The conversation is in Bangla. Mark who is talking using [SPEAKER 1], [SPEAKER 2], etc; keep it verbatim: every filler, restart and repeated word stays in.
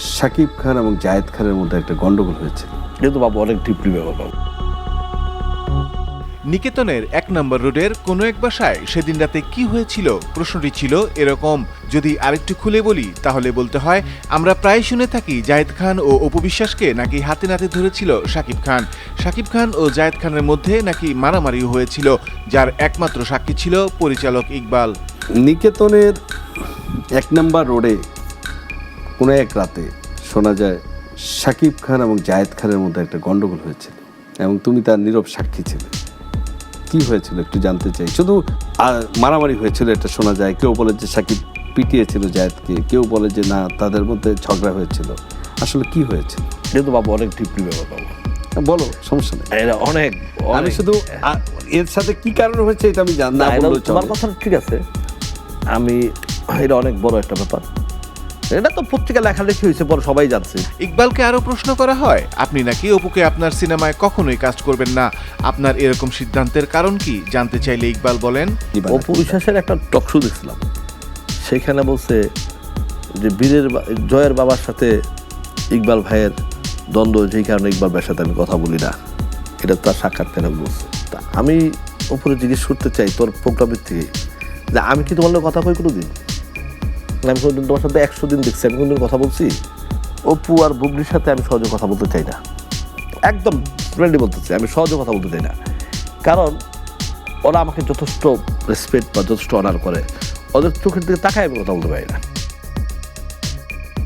[SPEAKER 1] শাকিব খান এবং জায়েদ খানের মধ্যে একটা গন্ডগোল হয়েছে।
[SPEAKER 2] যেহেতু বাবু অনেক ডিপলি ব্যাপার বাবু।
[SPEAKER 3] নিকেতনের এক নম্বর রোডের কোনো এক বাসায় সেদিন রাতে কি হয়েছিল প্রশ্নটি ছিল এরকম। যদি আরেকটু খুলে বলি তাহলে বলতে হয় আমরা প্রায় শুনে থাকি জায়েদ খান ও অপু বিশ্বাসকে নাকি হাতে নাতে ধরেছিল শাকিব খান। শাকিব খান ও জায়েদ খানের মধ্যে নাকি মারামারিও হয়েছিল, যার একমাত্র সাক্ষী ছিল পরিচালক ইকবাল।
[SPEAKER 1] নিকেতনের এক নম্বর রোডে কোনো এক রাতে শোনা যায় শাকিব খান এবং জায়েদ খানের মধ্যে একটা গন্ডগোল হয়েছিল এবং তুমি তার নীরব সাক্ষী ছিলে। কি হয়েছিল একটু জানতে চাই। শুধু মারামারি হয়েছিল এটা শোনা যায়, কেউ বলে যে শাকিব পিটিয়েছিল জায়েদকে, কেউ বলে যে না তাদের মধ্যে ঝগড়া হয়েছিল। আসলে কি হয়েছিল?
[SPEAKER 2] যেহেতু বাবু অনেক ডিপলি ব্যাপার বাবু।
[SPEAKER 1] বলো, সমস্যা নেই।
[SPEAKER 2] এটা অনেক
[SPEAKER 1] আমি শুধু এর সাথে কি কারণে হয়েছে এটা আমি জানি না।
[SPEAKER 2] তোমার কথা ঠিক আছে, আমি এটা অনেক বড় একটা ব্যাপার। এটা তো পত্রিকা লেখালেখি হয়েছে, পরে সবাই জানছে।
[SPEAKER 3] ইকবালকে আরো প্রশ্ন করা হয় আপনি নাকি অপুকে আপনার সিনেমায় কখনোই কাস্ট করবেন না, আপনার এরকম সিদ্ধান্তের কারণ কি জানতে চাইলে ইকবাল বলেন
[SPEAKER 2] অপু বিশ্বাসের একটা টক শো দেখছিলাম, সেখানে বলছে যে বীরের জয়ের বাবার সাথে ইকবাল ভাইয়ের দ্বন্দ্ব, যেই কারণে ইকবাল ভাইয়ের সাথে আমি কথা বলি না, এটা তার সাক্ষাৎকারে বলছে। তা আমি অপুরে জিজ্ঞেস করতে চাই তোর প্রোগ্রামের থেকে যে আমি কি তোমার লোক কথা কই কোনো দিন? আমি কোনোদিন তোমার সাথে একশো দিন দেখছি, আমি কোনোদিন কথা বলছি? অপু আর বুবলির সাথে আমি সহজে কথা বলতে চাই না, একদম ফ্রেন্ডলি বলতেছি, আমি সহজে কথা বলতে চাই না। কারণ ওরা আমাকে যথেষ্ট রেসপেক্ট বা যথেষ্ট অনার করে, ওদের চোখের দিকে তাকায় আমি কথা বলতে পারি না।